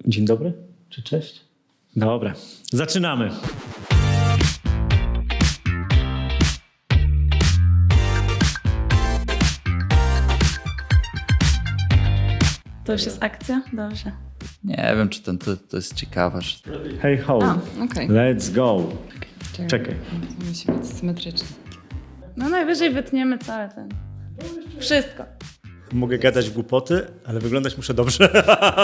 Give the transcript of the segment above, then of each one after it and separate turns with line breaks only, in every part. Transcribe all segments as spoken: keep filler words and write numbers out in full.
Dzień dobry czy cześć? Dobra, zaczynamy.
To już jest akcja? Dobrze.
Nie wiem, czy ten to, to jest ciekawe. Że...
Hey ho,
A, okej.
let's go. Czekaj.
To musi być symetryczne.
No najwyżej wytniemy cały ten. Wszystko.
Mogę gadać głupoty, ale wyglądać muszę dobrze.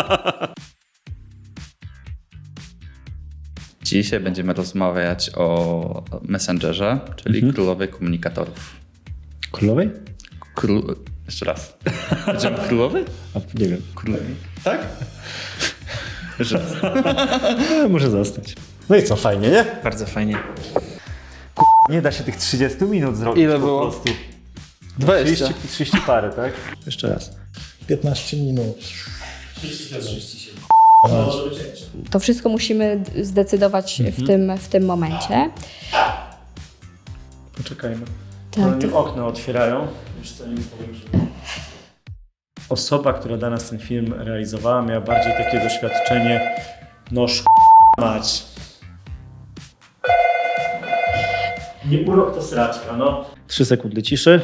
Dzisiaj będziemy rozmawiać o Messengerze, czyli
Mhm.
królowej komunikatorów.
Królowej?
Król... Jeszcze raz. Będziemy królowej?
A, nie wiem.
Królowej. Tak? Jeszcze raz.
E, może zostać. No i co, fajnie, nie?
Bardzo fajnie.
Nie da się tych trzydziestu minut zrobić.
Ile
po
było?
prostu.
dwadzieścia.
trzydzieści, trzydzieści parę, tak? Jeszcze raz.
piętnaście minut.
To wszystko musimy d- zdecydować w, tym, w tym momencie.
Poczekajmy.
Tak,
Oni
to-
okno otwierają. Już co im powiem, że... Osoba, która dla nas ten film realizowała, miała bardziej takie doświadczenie no sz... mać. Nie urok to sraczka, no. Trzy sekundy ciszy.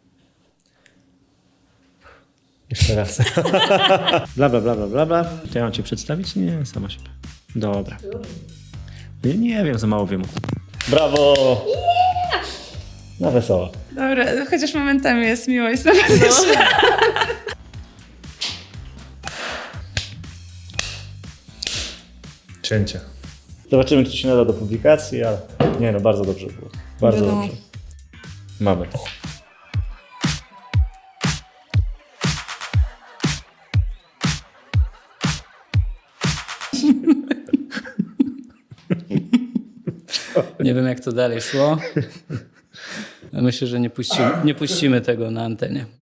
Jeszcze raz. bla, bla, bla, bla, bla, bla. To ja mam cię przedstawić? Nie, sama się. Dobra. Nie, nie wiem, za mało wiem. Brawo! Na wesoło.
Dobra, chociaż momentami jest miło i sympatycznie.
Cięcie. Zobaczymy, czy się nada do publikacji, ale nie no, bardzo dobrze było. Bardzo
Wiadomo.
dobrze. Mamy.
Nie wiem, jak to dalej szło. Myślę, że nie puścimy, nie puścimy tego na antenie.